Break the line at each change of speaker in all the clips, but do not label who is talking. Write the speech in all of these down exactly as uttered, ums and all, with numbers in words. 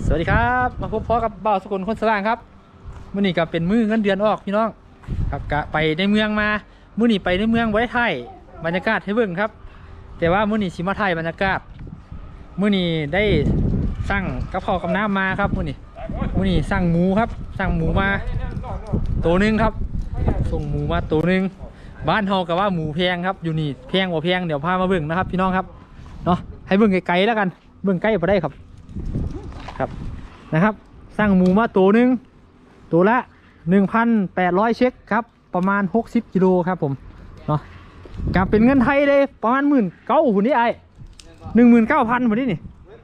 สวัสดีครับมาพบพ่อกับบ่าวสกุลคนสว่างครับมื้อนี้ก็เป็นมื้อเงินเดือนออกพี่น้องครับกะไปในเมืองมามื้อนี้ไปในเมืองไว้ไทยบรรยากาศให้เบิ่งครับแต่ว่ามื้อนี้สิมาไทยบรรยากาศมื้อนี้ได้สั่งกับข้าวกับน้ำมาครับมื้อนี้มื้อนี้สั่งหมูครับสั่งหมูมาตัวนึงครับส่งหมูมาตัวนึงบ้านเฮากับว่าหมูแพงครับอยู่นี่แพงกว่าแพงเดี๋ยวพามาเบิ่งนะครับพี่น้องครับเนาะให้เบิ่งไกลๆแล้วกันเบิ่งใกล้พอได้ครับครับนะครับสั่งหมูมาตัวนึงตัวละ หนึ่งพันแปดร้อย เช็คครับประมาณหกสิบกิโลครับผมเนาะกลับเป็นเงินไทยเลยประมาณหมื่นเก้าหุ่นนี่ไอหนึ่งหมื่นเก้าพันหุ่นนี่นี่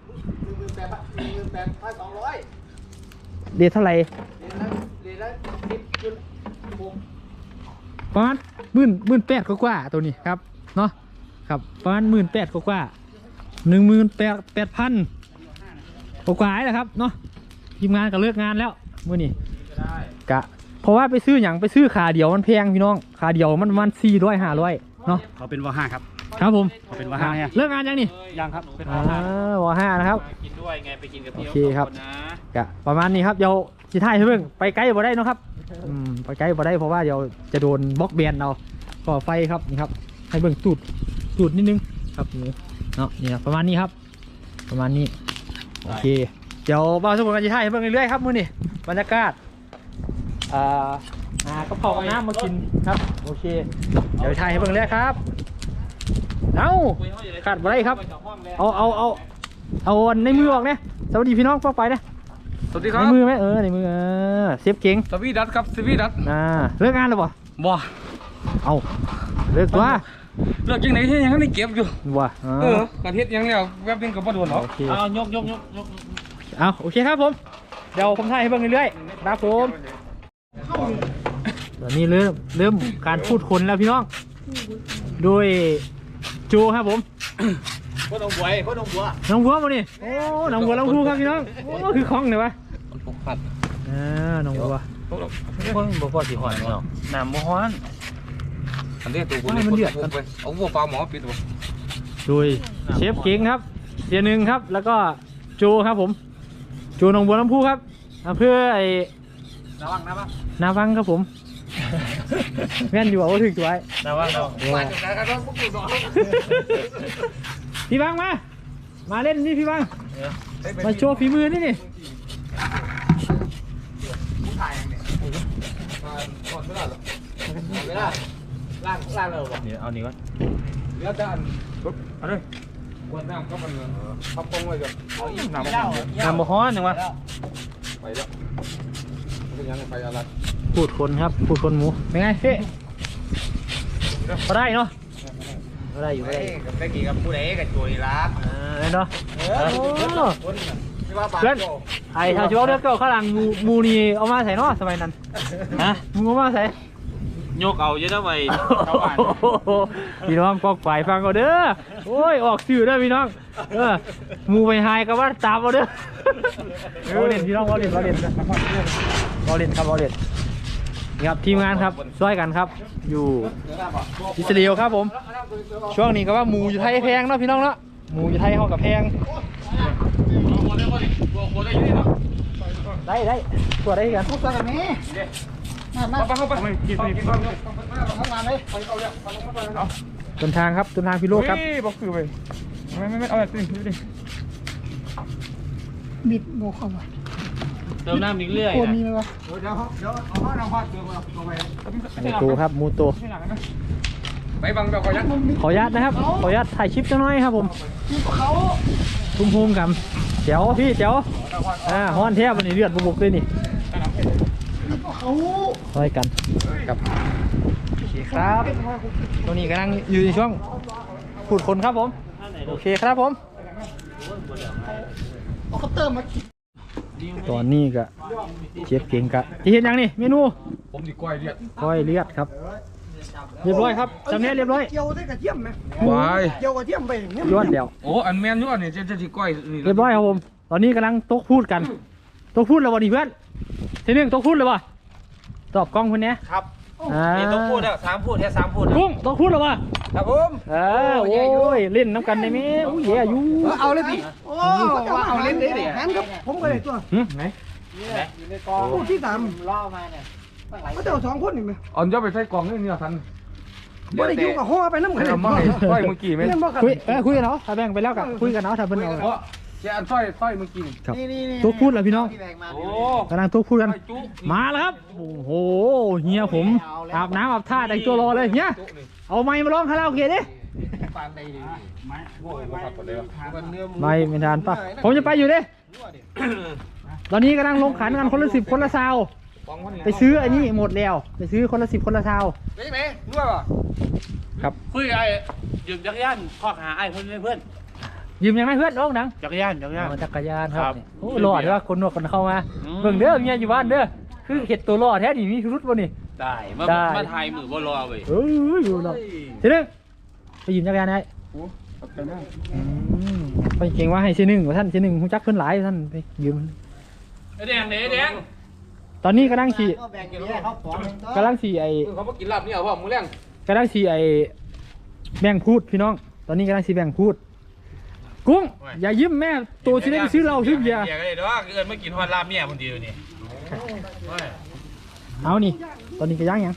เดือนเท่าไหร่ประมาณหมื่นหมื่นแปดกว่าตัวนี้ครับเนาะครับประมาณหมื่นแปดกว่าหนึ่งหมื่นแปดแปดพันกว่าๆแล้วครับเนาะทีมงานก็เลิกงานแล้วมื้อนี้กะเพราะว่าไปซื้ออย่างไปซื้อขาเดียวมันแพงพี่น้องขาเดียวมันประมาณสี่ร้อยห้าร้อยเนาะ
เขาเป็นวห้าครับ
ครับผม
เขาเป็นวห้าเนี่ย
เลิกงานยังนี่
ยังครับเป็นว
ห้าวห้านะครับ
กินด้วยไงไปกินกับพี่
โอเคครับกะประมาณนี้ครับเดี๋ยวสิถ่ายให้เบิ่งไปไกลบ่ได้เนาะครับอืมไปไกลบ่ได้เพราะว่าเดี๋ยวจะโดนบล็อกแบนเอาก่อไฟครับนี่ครับให้เบิ่งตูดตูดนิดนึงครับหมูเนาะนี่ประมาณนี้ครับประมาณนี้โอเคเดี๋ยวบ่าวทุกคนกันจะถ่ายให้เบิ่งเรื่อยๆครับมื้อนี้บรรยากาศอ่าหากระเพรากับน้ำมากินครับโอเคเดี๋ยวถ่ายให้เบิ่งเรื่อยครับเอาขาดบ่ได้ครับเอาเอาเอาเอาในมือออกเนี่ยสวัสดีพี่น้องพวกไปนะ
สวัสดีครับ
ในมือไหมเออในมือเออเซฟเก่ง
สวีดัตครับสวีดัต
อ่าเลิกงานแล้วบ่
บ่
เอาเลิกตัว
เลิกยังไหนที่ยังไม่เก็บอยู่
บ่
เออกระเทียมยังแล้วแวบนึงกับบ่โดนหรอกเอายกยกยกยก
เอาโอเคครับผมเดี๋ยวผมถ่ายให้เบิ่งเรื่อยๆครับผมตอนนี้เริ่มเริ่มการพูดคนแล้วพี่น้องโดยโจครับผม
พ่อน้องบัวพ่อน้องบัว
น้องบัวมาดิโอ้น้องบัวน้องพูครับพี่น้องโอ้คือคล้องเลยวะ
ปกปัด
อ่าน้องบัว
คนบ่พอสิหอนเนาะน้ำบ่ฮ้อนอันนี้ตัวคนมันเดือดเอาวัวปลาหมอปิดตัว
โดยเชฟเก่งครับเสียหนึ่งครับแล้วก็โจครับผมโจน้องบัวน้ำพูครับเพื่อไอ้
นาวังนาวัง
นาวังครับผมแม่นอยู่ว่าถึงตัวไอ้
นาวังนาวัง
พี่บังมามาเล่นนี่พี่บังมาโชว์ฝีมือนี่นี่
ล่างล่างเราบอกเนี่ยเอานี่วะเดี๋ยวจะอันปุ๊บเอาเลยวนน้ำก็มันพับปงไว้ก่อนเอาอีกน้ำน้ำบ่ฮ้อนยังวะไปแล้วเป็นยังไงไปอะไร
พูดคนครับพูดคนหมูเป็นไงเฮ้พอได้เนาะพอได้อยู่ได้
กับตะกี้กับผู้ใดกับจุยรัก
เออเนาะเพื่อนไอ้ชาวชิวเลือกเก่าข้างหลังมูมูนี่เอามาใส่เนาะสมัยนั้นฮะมูเอามาใส่
โยกเอาเยอะนะไป
พี่น้องกอกฝ่ายฟังเอาเด้อโอ้ยออกสื่อเด้อพี่น้องเออมูไปหายก็ว่าตามเอาเด้อเราเล่นพี่น้องเราเล่นเราเล่นเราเล่นครับเราเล่นนี่ครับทีมงานครับช่วยกันครับอยู่อิสราเอลครับผมช่วงนี้ก็ว่าหมูอยู่ไทยแพงเนาะพี่น้องเนาะหมูอยู่ไทยเขากับแพงได้ได้ตัวได้กันทุกตัวกันนี้มาเข้าไปกินไปกินไปเข้ามาเลยไปเข้าเลยต้นทางครับต้นทางพี่โลครับบอกคือไปไม่ไม่ไม่เอาแบบนี้ดิ
บิดโบเข้ามา
เติมน้ำอีกเรื่อย
โคมีไหมวะ
เดี๋ยวเดี๋ยวเดี๋ยวเอาผ้าน้ำผ้าเติมมาลงไป
มูโตครับมูโต
ไปบังเดี๋ยวขอยัด
ขอยัดนะครับขอยัดถ่ายคลิปจังน้อยครับผมทุ่มทุ่มกันเจ๋วพี่เจ๋วอ่าฮ้อนแทบมันนี่เลือดบุบๆเลยนี่ช่วยกันกับโอเคครับตรงนี้กำลังอยู่ในช่วงพูดคนครับผมโอเคครับผมตอนนี้ก็เชฟเก่งกะจะเห็นยังนี่เมนู
ผมดีก้อยเลือด
ก้อยเลือดครับเรียบร้อยครับจำเนียเรียบร้อย
เกี่ยวได้กระเทียมไหม
วาย
เกี่ยวกระเทียมไปอย่างเงี้ย
ย้อนเดียว
โอ้อันแมนย้อนเนี่ยจะจะดีก้อย
เรียบร้อยครับผมตอนนี้กำลังโต๊ะพูดกันโต๊ะพูดแล้ววันนี้เพื่อนทีนึงโต๊ะพูดเลยป่ะตอบกล้องคนนี้
ครับ
เ
อ่า
นี่ต้องพูดแล้วสามพูดแค่สามพูด
กุ้งต้องพูดหรอวะ
ครับผม
เออโอ้ยเล่นน้ำกันได้ไหมโอ้ยเหี้ยอยู่
เอาเลยพี่โอ้เอาเล่นได้เลยงั้นครับผมก็ได้ตัว
หึไหน
คู่ที่สามก็เจ้าสองคนนี่ไหม
อ่อนย่อไปใส่กล่องนี่เนี่ยทัน
บ่ได้อยู่กับห่อไปน้ำกัน
เอามาให้สร้อยเมื่อกี้ไหม
เล่นบ่ครับ
คุยเออคุยกันเนาะถ้าแบ่งไปแล้วกับคุยกันเนาะถ้าเป็นเอา
เพราะเจ้าสร้อยสร้อยเมื่อกี้
ครับตัวพูดแล้วพี่น้อง
โอ้
กำลังตัวพูดกัน
จุ
มาแล้วครับโอ้โหเฮียผมอาบน้ำอาบท่าแต่งตัวรอเลยเฮียเอาไม้มาร้องคาราโอเกะดิไม่ไม่ทานป่ะผมจะไปอยู่ดิตอนนี้กำลังลงขันกันคนละสิบคนละซาวไปซื้ออันนี้หมดแล้วไปซื้อคนละสิบคนละซาว
ได้ไหมนวดป่ะ
ครับ
คุยไอ้ยืมจักรยานข้อหาไอ้เพื่อนเพื่อน
ยืมยังไงเพื่อนน้องหนัง
จักรยานจักรยาน
จักรยานครั
ครับ บ
โอ้หล่อเด้อคนนวดคนเข้ามา
อืม
เบิ่งเด้อเมียอยู่บ้านเด้อคือเห็ดตัวหล่อแท้ดิมีพิรุษบ่นี่
ได้มา
ได้
มาไทยมือบ่รอเว้ย
เอ้ยอยู่หรอกทีนึงไปยืมจักรยานได้อืมไปเก่งว่าให้ทีหนึ่งว่าท่านทีหนึ่งฮู้จักเพิ่นหลายท่านไปยืม
ไอ้แดงไอ้แดง
ตอนนี้กำลังขี่กำลังขี่ไอ้
เขามากินลาบนี่เอาพ่อมือแรง
กำลังขี่ไอ้แบ่งพูดพี่น้อง ตอนนี้กำลังขี่แบ่งพูด กุ้งอย่ายิ้มแม่ตัวที่ได้ไปซื้อเหล้าซื้อเบียร์
เบียร์ก็ได้ด้วยเกินไม่กินฮอดลาบเนี่ยคนเดียวนี่
เอานี่ ตอนนี้ก็ย่างยัง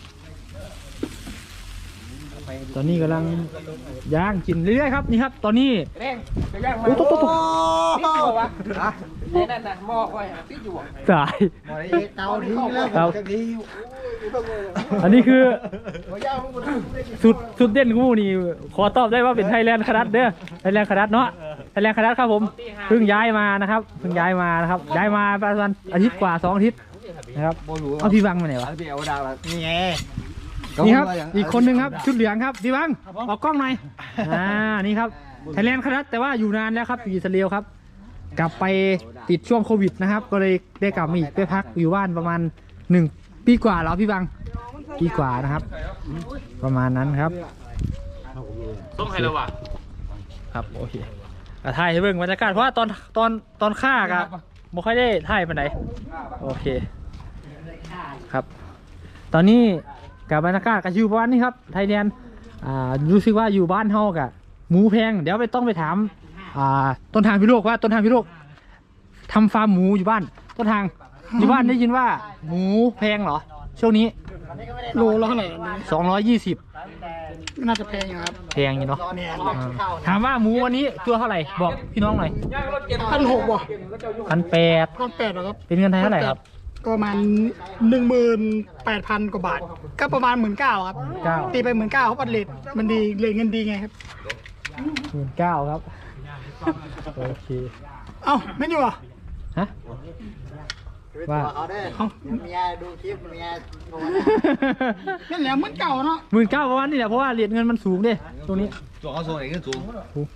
ตอนนี้กำลังย่างกินเรื่อยๆครับนี่ครับ ตอนนี้
แดงจักรยานมา
โอ้ตุ๊ตุ๊ตุ๊
พี่อยู่วะไอ้นั่นน่ะหม้อไว้พี่อยู่
ตาย
เตาทิ้งแล้ว
เตาอันนี้คือสุดสุดเด่นกูนี่ขอตอบได้ว่าเป็นไทยแลนด์คารัดเด้อไทยแลนด์คารัดเนาะไทยแลนด์คารัดครับผมเพิ่งย้ายมานะครับเพิ่งย้ายมานะครับย้ายมาประมาณอาทิตย์กว่าสองอาทิตย์นะครับเอาพี่บังมาไหนวะ
เดี๋ยวดาวนี่ไง
นี่ครับอีกคนนึงครับชุดเหลืองครับพี่บังออกกล้องหน่อยอ่านี่ครับไทยแลนด์คารัดแต่ว่าอยู่นานแล้วครับอยู่อิสราเอลครับกลับไปติดช่วงโควิดนะครับก็เลยได้กลับมาอีกไปพักอยู่บ้านประมาณหนึ่งปีกว่าแล้วพี่บังปีกว่านะครับ ประมาณนั้นครับ
ต้องให้เราวะ
ครับโอเคอ่ะถ่ายให้เบิ่งบรรยากาศเพราะว่าตอนตอนตอนฆ่ากะไม่ค่อยได้ถ่ายไปไหนใดโอเคครับ ตอนนี้กับบรรยากาศกับอยู่บ้านนี่ครับไทยแลนด์อ่ารู้สึกว่าอยู่บ้านเฮากะหมูแพงเดี๋ยวไปต้องไปถามอ่าต้นทางพิโรกว่าต้นทางพิโรกทำฟาร์มหมูอยู่บ้านต้นทางอยู่บ้านได้ยินว่าหมูแพงเหรอช่วงนี้
โลละเท่าไหร่
สองร้อยยี่สิบ
น่าจะแพงอยู่ครับ
แพงอยู่เนาะถามว่าหมูวันนี้ตัวเท่าไหร่บอกพี่น้องหน่อย
พันหกว่ะ
พันแปด
พันแปดเหรอครับ
เป็นเงินไทยเท่าไหร่ครับ
ก็ประมาณหนึ่งหมื่นแปดพันกว่าบาท ก็ประมาณหมื่นเก้าครับ
เก้า
ตีไปหมื่นเก้าเขาปัดเลทมันดีเลทเงินดีไงครับ
หมื่นเก้าครับโอเค
เอ้าไม่อยู่เหรอ
ฮะว่า
เอ้า
เมียดูคลิปเมียโทร
นั่นแหละเหมือนเก่าเนาะ
หมื่นเก้าประมาณนี้แหละเพราะว่าเหรียญเงินมันสูงเด้ตรงนี้
ตัวเขาโซนเองก็สูง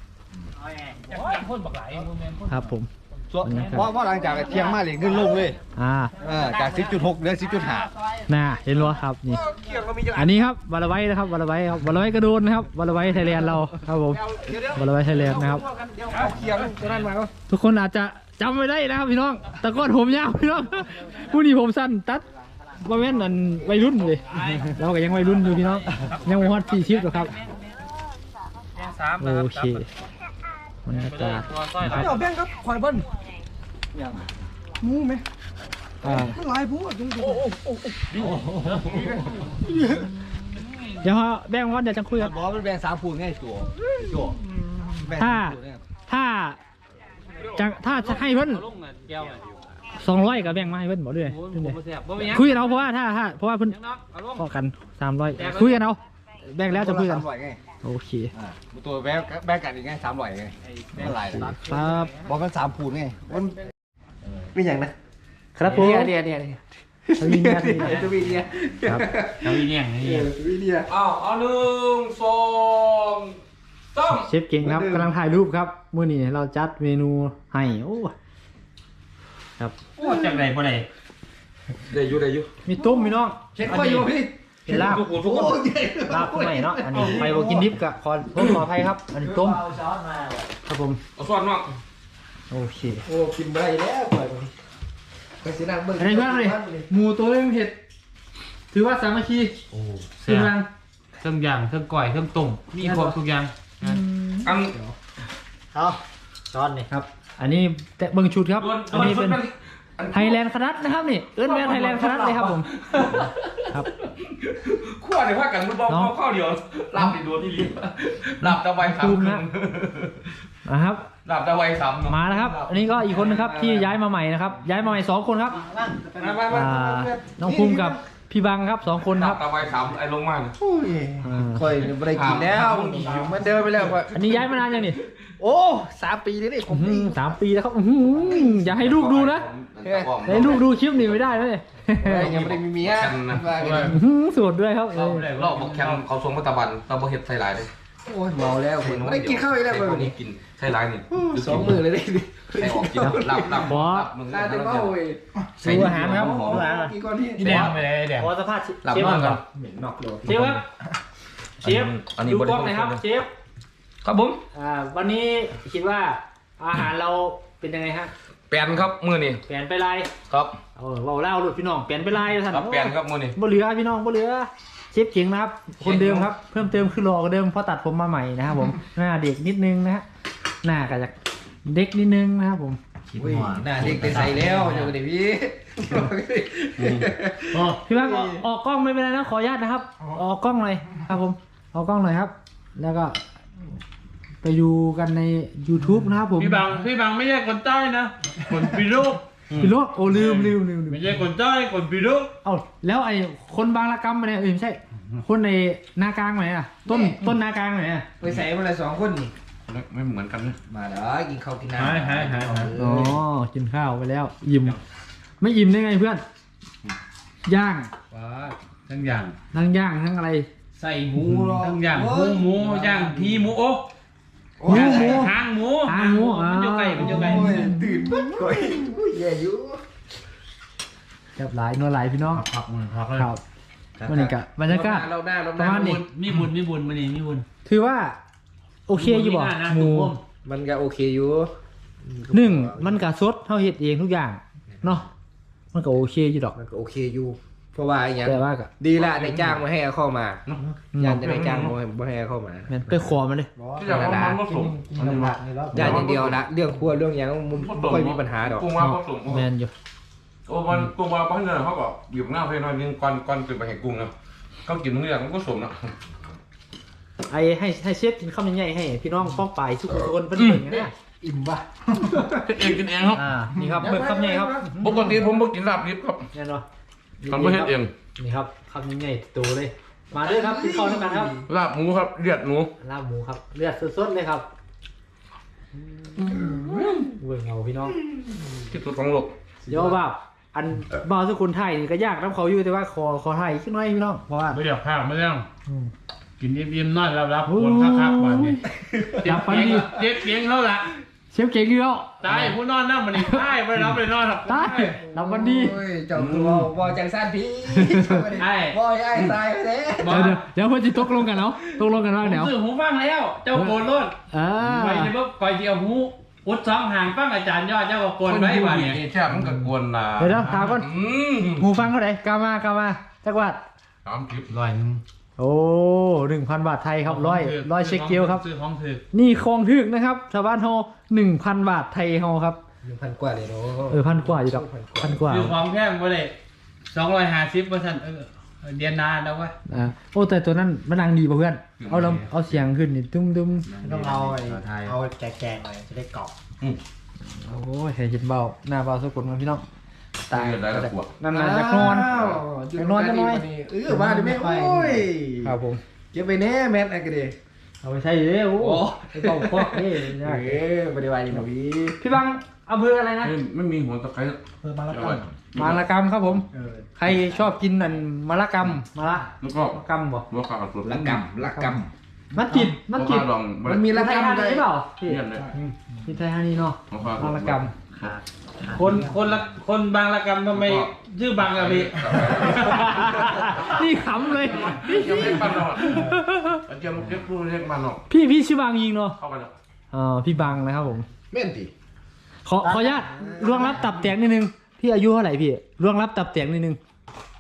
ครับผม
เพราะว่าหลังจากเที่ยงมาเลยขึ้นลงเลย
อ่า
เออจากสิบจุดหกเหลือสิบจุดห้า
น่าเห็นรั้ครับนี่อันนี้ครับวาลไว้นะครับวาลไว้ครับวาลไว้กระโดนนะครับวาลไว้ไทยแลนด์เราครับผมวาลไว้ไทยแลนด์นะครับ
เที่ยงตัวนั้นมาก็
ทุกคนอาจจะจำไม่ได้นะครับพี่น้องแต่ก้อนผมยาวพี่น้องผู้นี้ผมสั้นตัดว่าแม่นนั่นวัยรุ่นเลยเราก็ยังวัยรุ่นอยู่พี่น้องยังไม่ฮอตสี่ชิปหรอกครับ
สาม
โอเคบรรยากาศนะครับ
เดี๋ยวแบงค์ครับข่อยเบิ้ลหมูไหม
อ่า
มันหลายผู้อ่ะจุ๊ง
เดี๋ยวแบ่งวันเดี๋ยวจะคุยกัน
บอกมันแบ่งสามผูนไงตัวตัว
ถ้าถ้าจะถ้าจะให้เพิ่น
ลงอ่ะแก้วอ่ะ
สองร้อยกับแบ่งมาให้เพิ่นบอกด้วย
โอ้ยผมบ่แซ่บบ่มีหยัง
คุยกันเอาเพราะว่าถ้าถ้าเพราะว่าเพิ่น
ยังเนาะเอาลง
พอกันสามร้อยคุยกันเอาแบ่งแล้วจะคุยกัน
สามร้อยไง
โอเค
อ่าตัวแบ่งแบ่งกันอีกไงสามร้อยไงไม่เป็นไร
ครับ
บอกมันสามผูนไงมันเป็นอย่างนะครับ
ผม
เนี่ยเนี่ยเนี่ย
ทวีเนี่ยทวี
ทวีเนี่ย
ครับ
เอาอีเนี่ยนี่
ทวีเนี่ย
อ้าวเอาหนึ่งสองสาม
เชฟเก่งครับกำลังถ่ายรูปครับมื้อนี้เราจัดเมนูให้โอ้ครับ
โอ้จังไดบ่ได้
ได้อยู่ได้อยู่
มีต้มมีน้อง
เช็ดข้ออยู่พี่
เป็นลาบ
ทุกคนทุกคน
ลาบใหม่เนาะอันนี้ไปบ่กินดิบกับขอโทษขออภัยครับ อันนี้ต้มครับผม
เอาส่วนเนาะ
โอเค
โอ้กินไปแล้วปล่อยไปไปสินั่งเบิ่ง
อะไรบ้างเลยหมูตัวนึงเห็ดถือว่าสามัคคี
โอ้
ที
แซ่
มงาน
บเครื่องย่างเครื่องก่อยเครื่องต้มมีครบทุกอย่างอัน
เอาช้อนนี่
ครับ อันนี้แต่เบิ่งชุดครับ อันนี้เป็นไทยแลนด์คณัดนะครับนี่เอิ้นแม่ไทยแลนด์คณัดเลยครับผมครับ
ขั้วในภาคกันมันบอกเอาข้าวเดียวลาบติดดวที่ลิ้นลาบตะไวสาม
ภูมินะนะครับ
ลาบตะไวสาม
มาแล้วครับ อันนี้ก็อีกคนนึงครับที่ย้ายมาใหม่นะครับ ย้ายมาใหม่สองคนครับ
มามามา
อ่าน้องภูมิกับพี่บังครับสองคน
ลา
ครับ บ
ตะไวสามไอ้ลงมา
อ่า
ค่อยไม่ได้กินแล้วอยู่เหมือนเดิมไปแล้วค่อย
อันนี้ย้ายมานานยังนี่
โอ้สามปีนี่นี่ผม
อื้อหือสามปีแล้วครับอื้อหืออย่าให้ลูกดูนะอย่าให้ลูกดูคลิปนี้ไม่ได้นะเนี่ย
ยังไม่ได้มีเมียว่ากัน
อื้อหือสูตรด้วยครับเออ
รอบบอกแคมเขาทรงมัตตบันตะบเห็ดไทยลายเลย
โอ้ยเมาแล้วผมไม่ได้กินข้าวอีกแล้ว
ไอ้
เล
พวกนี้
ย
กินไทยลายนี่
สองมือเลยดิ
ไอ้ออกกินลาบลาบลาบมึง
น่าจะเมาเว้ย
ดูอาหารครับดูอาหาร
กินก่อนที่
แดงไปเลยแดง
ขอสัมภาษณ์
ลาบ
เชฟ
นอนก่อน
เหม็นนอกโลก
เชฟครับเชฟ
อันนี้
ดู
บ
ก
ริ
ล้องหน่อยครับเชฟ
ครับผม
อ่าวันนี้คิดว่าอาหารเราเป็นยังไงฮะ
แปนครับมือนี่
เปลี่ยนไปลาย
ครับ
เออเบาเล่าหลุดพี่น้องเปลี่ยนไปลายท่าน
ครับแปนครับมือนี่
บ่เหลือพี่น้องบ่เหลือเชฟเก่งนะครับ คนเดิมครับ เพิ่มเติมคือหล่อกว่าเดิมเพราะตัดผมมาใหม่นะครับผม หน้าเด็กนิดนึงนะฮะหน้าก็จะเด็กนิดนึงนะครับผม
อุ้ยหน้าเด็กไปใส่แล้วเดี๋ยวดิพี่
พี่บังออกออกกล้องไม่เป็นไรนะขออนุญาตนะครับ ออกกล้องหน่อยครับผมออกกล้องหน่อยครับ แล้วก็ ไปดูกันใน YouTube นะครับผม
พี่บังพี่บังไม่ใช่คนใต้นะ คนปีรุก
พี่โลกโอ้ลืมลืมลืมลืม
ไม่ใช่คนใต้คนปีรุก
เอ้าแล้วไอ้คนบางระกำไปไหนเอ้ยไม่ใช่ คนในนากลางไหนอ่ะ ต้นต้นนากลางไหนอ่ะ
ไปใส่มาเลยสองคนนี่
ไม่เหมือนกันนะ
มาเด้อกินข้าวกินน้ำ
หายหายหายหาย
อ๋อกินข้าวไปแล้วอิ่มไม่อิ่มได้ไงเพื่อน ย่าง
ว้าทั้งอย่าง
ทั้งย่างทั้งอะไร
ใส่หมูหรอ
ทั้งอย่างหมูหมูย่างพีหมูโอ้
หมูหมู
หางหมู
หางหมู
มันอยู่ไกลมันอยู่ไกล
โอ้ยตื่นมันก่อยอุ้ยแย่อยู่
แบบหลายนัวหลายพี่น้อง
พักมันพักเลย
ครับบรรยากาศบรรยากาศ
เราหน้าเราห
ประ
น้า
มาณนี้
มีบุญมีบุญมานี่มีบุญ
ถือว่า โอเคอยู่บ่
มีน้านะ
หมู
ทุกคน
มันก็โอเคอยู่
หนึ่งมันกะสดเท่าเห็ดเองทุกอย่างเนาะมันก็โอเคอยู่ดอก
มันก็โอเคอยู่ เพราะว่าอย่าง
แต่ว่าก็
ดีละในจ้างมาให้เอาเข้ามา
อืม
ยานจะในจ้างมาให้มาให้เอาเข้ามา
แม่นไปขอมันเลย
ที่จะเอามันผสม
ยานอย่างเดียวละเรื่องครัวเรื่องหยังมันไม่ค่อยมีปัญหาดอก
กุ้งว่าผสม
แม่นอยู่
โอ้มันกุ้งว่าบ้านเนี่ยเขาบอกหยิบหน้าไปหน่อยนึงก่อนก่อนตื่นไปเห็นกุ้งนะเขากินทุกอย่างมันก็สมนะ
ไอ้ให้ให้เชฟกินข้าวมันใหญ่ให้พี่น้องป้องไปทุกคนเพิ่นเบิ่งนะ
อิ่มป่ะ
เองกินเองครับ
อ่านี่ครับเบิ่งข้าวใหญ่ครับ
ปกติผมบ่กินลาบดิบครับ
แน่นอน
ทำไม่เห็นเอง
นี่ครับข้าวใหญ่โตเลย มาเด้อครับกินข้าวด้วยกันครับ
ลาบหมูครับเลือดหมู
ลาบหมูครับเลือดสดๆเลยครับเบิ่งเอาพี่น้อง
ที่สุดของโลก
เดี๋ยวบ่าวอันบ่าวทุกคนไทยนี่ก็ยากน้ำเขาอยู่แต่ว่าขอขอไทยขึ้นหน่อยพี่น้องเพราะว่า
ไม่เดี๋ยวข้าวไม่ต้อง
อืม
กินยิ้มๆน้อยรับรับคนคักๆวันนี้
หลับฝันดี
เจ็บเสียงแล้วล่ะ
เชฟเก่งอยู่แล้ว
ตายผู้นอนนั่งมันนี่ตายไปรับไปนอนหรอก
ตายหลับวันดี
โอ้ยเจ้าคือว่าว่าจังสั้นพี่
ไอ้
ว่าไอ้ตายไปแล้ว
เดี๋ยวเดี๋ยวเดี๋ยวเพื่อนจะตกลงกันเนาะตกลงกันว่า
ผม
เดี๋ยว
ซื้อหูฟังแล้ว เจ้าโกนรถ
อ่า
ไปในบุ๊กคอยเดียวหูอุดสองห่างฟังอาจารย์ยอดเจ้าก็โกนไว้วันนี้
แช่มันก็กวนนะ
เดี๋ยวนะถามก่อน
อืม
หูฟังเท่าไหร่กามากามาจักรวาด
สามคลิป
ร้อยหนึง
โอ้หนึ่งพันบาทไทยครับร้อยร้อยเช็คเกลครับ
ซื้อของถือ
นี่คลองถึกนะครับชาวบ้านเฮาหนึ่งพันบาทไทยเฮาครับ
หนึ่งพันกว่าเลยเนาะ
เออพันกว่าอยู่ดอกพันกว่า
ซื้อของแพงไปเลยสองร้อยห้าสิบเปอร์เซ็นต์เออเดียนนานแล้ววะ
อ่าโอ้แต่ตัวนั้นมันดังดีป่ะเพื่อนเอาลำเอาเสียงขึ้นนี่ตุ้มตุ้ม
ต้องเอาไอ้เอาแกงๆหน่อยจะได้กรอบ
โอ้ยเห็นเบาหน้าเบาสะกดมันพี่น้องตาย
เงินได้ละขวด
นั่นน่ะจะนอนจะนอนจะน้อย
เออมาดิแม่โอ้ย
ครับผม
เก็บไปแน่แมทอะไรกันดิ
เอาไปใช้เยอะโอ้ไอ้เบาควักนี่
เออปฏิวัติหนุ่ย
พี่บังอำเภออะไรนะ
ไม่ไม่มีหัวตะไคร้
เออมาละ
เอา
กั
ไว้
น
มาละกำครับผม
เออ
ใครชอบกินอันมะละกำมะละ
แล้วก็
มะละกำบ่
หัวขาดสุด
ละกำละก
มัดจิต
หั
มั
ว
ดจิต
ขาดอง
ำมันมีละ
ไทย
กำ
ฮา
เล
นี
ย
เปล่าพี่
เนี่ยเลย
พี่ไทยฮานีเนาะ
หัวขาด
มะละก
คนคนละคนบางละกรรมทำไมชื่อบางอะพี่
ำนี่ขำเลย
เจียวเล็กมันออกเจียวเล็กพูดเล็กมันออก
พี่พี่ชื่อบางยิงเนาะ
เข้าไปแล้ว
อ่าพี่บังนะครับผม
แม่นติ
ขอขออนุญาตล่วงรับตับแตกนิดนึงพี่อายุเท่าไหร่พี่ล่วงรับตับแตกนิดนึง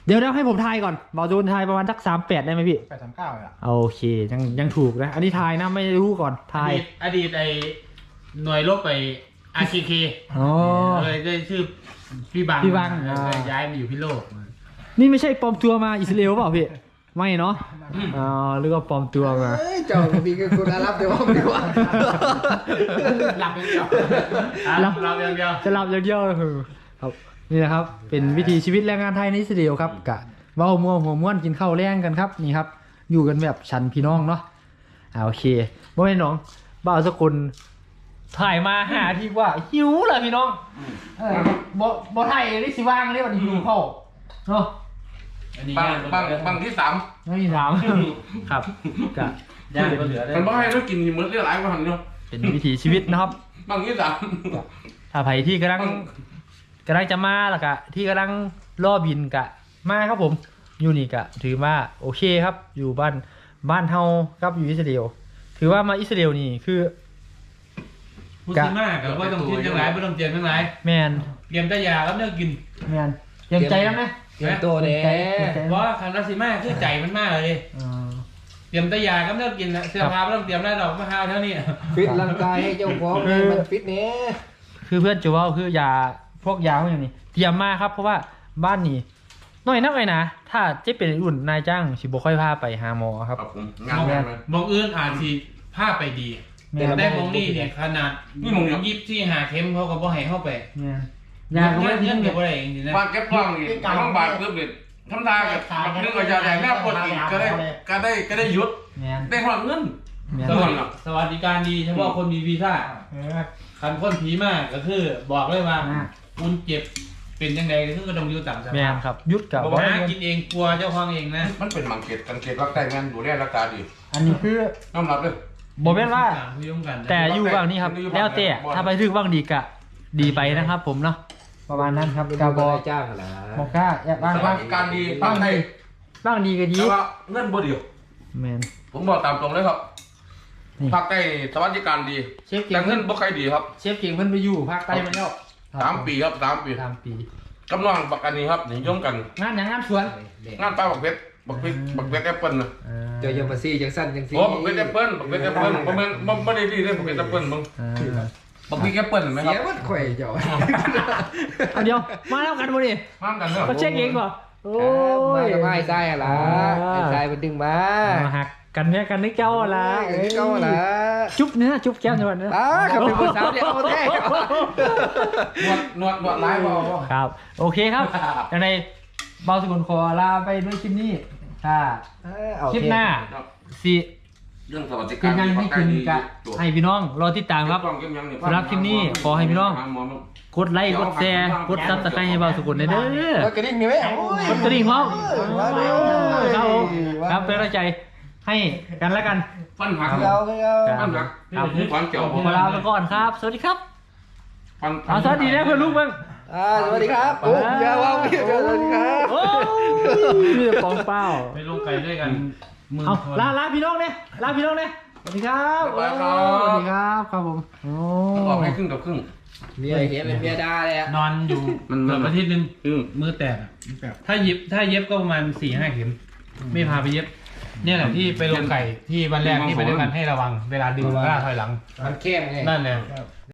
เดี๋ยวเดี๋ยวให้ผมทายก่อนบอลจูนทายประมาณสักสามแปดได้ไหมพี่
แปดสามเก้าอ่ะ
โอเคยังยังถูกนะอันนี้ทายนะไม่รู้ก่อน
อ
ทาย
ดีตอดีตไอหน่วยรบไปอาร์เคเค
อ๋อ
เลยได้ชื่อพี่บัง
พี่บัง
เออ
อ่า
เลยย้ายมาอยู่พิโลก
นี่ไม่ใช่ปลอมตัวมาอิสราเอลเปล่าพี่ไม่เนาะอ๋อหรือว่าปลอมตัวมา
เอ้ยเจ้ามีกับคุณอารับเดี๋ยวว่าดีกว่า
หลับอย่างเดียวอ่ะ
หลับ
หลับอย่างเดียว
จะหลับอย่างเดียวเลยครับนี่นะครับ เป็นวิถีชีวิตแรงงานไทยในอิสราเอลครับกะเว้ามัวหัวม้วนกินข้าวแรงกันครับนี่ครับ อยู่กันแบบฉันพี่น้องเนาะอ่าโอเคบ่แม่นน้องบ่าวสกุลถ่ายมาหาที่ว่าหิวเลยพี่น้องเออบ่บ่ถ่ายได้สิว่างเลยวันนี้หิวข้าวเนาะ
อันนี้
บาง
ย่าง
บางบางที่สาม
ไม่มีถาม ครับกะ
ย่างก็เหลือได้
มันบ่ให้เรากินมื้อละหลายกว่าหันเนาะ
เป็นวิถีชีวิตนะครับ
บางที่สาม
ถ้าไผที่กำลังกำลังจะมาแล้วกะที่กำลังรอบินกะมาครับผมอยู่นี่กะ ถือว่าโอเคครับ อยู่บ้านบ้านเฮาครับอยู่อิสราเอลถือว่ามาอิสราเอลนี่คือ
พูดมากกับว่าต้องกินทั้งหลายไม่ต้องเตรียมทั้งหลาย
แมน
เตรียมแต่ยาแล้วเนื้อกิน
แมนเตรียมใจแล้วไหม
เตรียมตัวแน่
เพราะว่าคำรัสซิมาคือใจมันมากเลย
อ่า
เตรียมแต่ยาก็เนื้อกินนะเสื้อผ้าไม่ต้องเตรียมได้หรอกมาหาเท่านี้
ฟิตร่างกายให้เจ้าของนี่มันฟิตเน่
คือเพื่อนจูว่าคือยาพวกยาพวกอย่างนี้เตรียมมาครับ เพราะว่าบ้านนี้น้อยนักเลยนะถ้าเจ๊เป็นอุ่นนายจ้างสิบ่ค่อยพาไปหาหมอครับ
ครับผมงานแม่เลย
มองอื่นอาจสิผ้าไปดี
แม่
แต่ได้มองนี่เนี่ยขนาด
นี่มองเนี่ย
ยิบที่หาเข็มเขาก็บ่ให้เข้าไป
แมนยาก็ไม่ได้
เงิ
ทิ้
น
ง
ก็
เนี่ย
บ่ได้เองนะ
วางเก็บกล้องนี่ท้องบาดปึ๊บนี่ทำทากับนึกว่าจะแดงหน้าปวดอีกก็ได้ก็ได้ก็ได้หยุด
แมน
ได้หอดเงิน
แมน
สวัสดิสวัสดิการดีเฉพาะคนมีวีซ่า
เออ
คันคนผีมากก็คือบอกเลยว่า
อ่า
คุณเจ็บเป็นยังไงก็คือก็ต้องอยู่ต่างส
แม
ภาน พ
ครับยุดกับ
บอกหากินเองกลัวเจ้าของเองนะ
มันเป็นมังเกตกันเกตรักได้งานดูแลรักษาดี
อันนี้คือ
น้ำรับเลย
บอกแม่นว่า
คุยร่วมกันนะ
แต่อยู่บางนี้ครับ แล้วแต่ถ้าไปถึงบางดีกะ ดีไปนะครับ ผมเนาะประมาณนั้นครับ
เป็น
กาบอ
นายจ้างเหรอ
บอกกล้าอยากบ้าง
ส
บ้า
วั
ง
สดิการดีตั้งให้
บ้างดีก็ดี
แต่ว่าเงินบ่เดียว
แมน
ผมบอกตามตรงเลยครับ
นี่
ภาคใต้สวัสดิการดี
เชฟเก่
แต่
ง
เงินบ่ใครดีครับ
เชฟเก่งเพิ่นไปอยู่ภาคใต้มาแล้ว
สามปีครับสามปี
สามปี
กำลังประกันนี้ครับนิยมกัน
งานอย่างงานสวน
งานป้าบักเพชรบักเพชรบักเพชรแอปเปิ้ลนะ
อ่า
เจ้ายังมาซี่จังสั้นจังซี่
โอ้บักเพชรแอปเปิ้ลบักเพชรแอปเปิ้ลบ่แม่นบ่บ่ได้ดีเด้บักเพชรแอปเปิ้ลมึง
อ่า
บักพริกแอปเปิ้ลเห็นไหมค
เสี
รับ
ยวัดข่อยเจ้า
เอาเดี๋ยวมาแล้วกันบ่ดิ
ห้ามกันเด้อ
เขาเช็คเองก่อนโอ้
มาย กับไอ้ทรายอะไรไอ้ทรายมันดึงมา
มาหักกันเนี่ยกันนึกเจ้าละ
เอ้ยเจ้าละ
จุ๊บเนื้อจุ๊บแก้มจังหวัดเนื้อ
อ้าขับเป็นผู้สาวเดียวเอาแท้
นวดนวดนวดร้ายบ่บ่
ครับ โอเคครับอย่างในเบาสกุลขอลาไปด้วยคลิปนี้ค่ะคลิปหน้าสิ
เรื่องสวัสดิกา
เป็
ร
นยังให้กินกะให้พี่น้องรอติดตามครับ สำหรับคลิปนี้ขอให้พี่น้อง กดไลค์กดแชร์กดซับสไครต์ให้เบาสกุลได้เด้อ
กระดิ่งนี่ไหมโอ้ย
กดกระดิ่งพร้อม
มาเลย
ครับผมครับเป็นกำลังใจให้กันแล้วกัน
ฟันหัก
เอาเอา
ฟันหัก
ครับ
ผมฟันเกี่ยว
ผมลาไปก่อนครับ สวัสดีครับ
ฟัน
เอาสวัสดีนะเพื่อนลูกมึง
อ่าสวัสดีครับโอ้ยอย่าว่างพี่สวัสดีครับ
โอ้ยมีแต่ปองเป้า
ไปลงไก่ด้วยกันหมื่น
เอา
คน
ลาลาพี่น้องเนี่ยลาพี่น้องเนี่ยสวัสดีครับโอ้สวัสดีครับครับผมโอ้
ออกให้ครึ่งกับครึ่ง
เมียเห็นเป็นเมียดาเลยอ่ะ
นอนอยู่
มัน
เกือบอาทิตย์หนึง
อืม
มือแตกอะถ้าเย็บถ้าเย็บก็ประมาณสี่ห้าเข็ม ไม่พาไปเย็บ เนี่ยแหละที่ไปลงไก่ที่วันแรกที่ไปด้วยกันให้ระวัง เวลาดึงกล้าถอยหลัง
มันเข้มไง
นั่นแหละ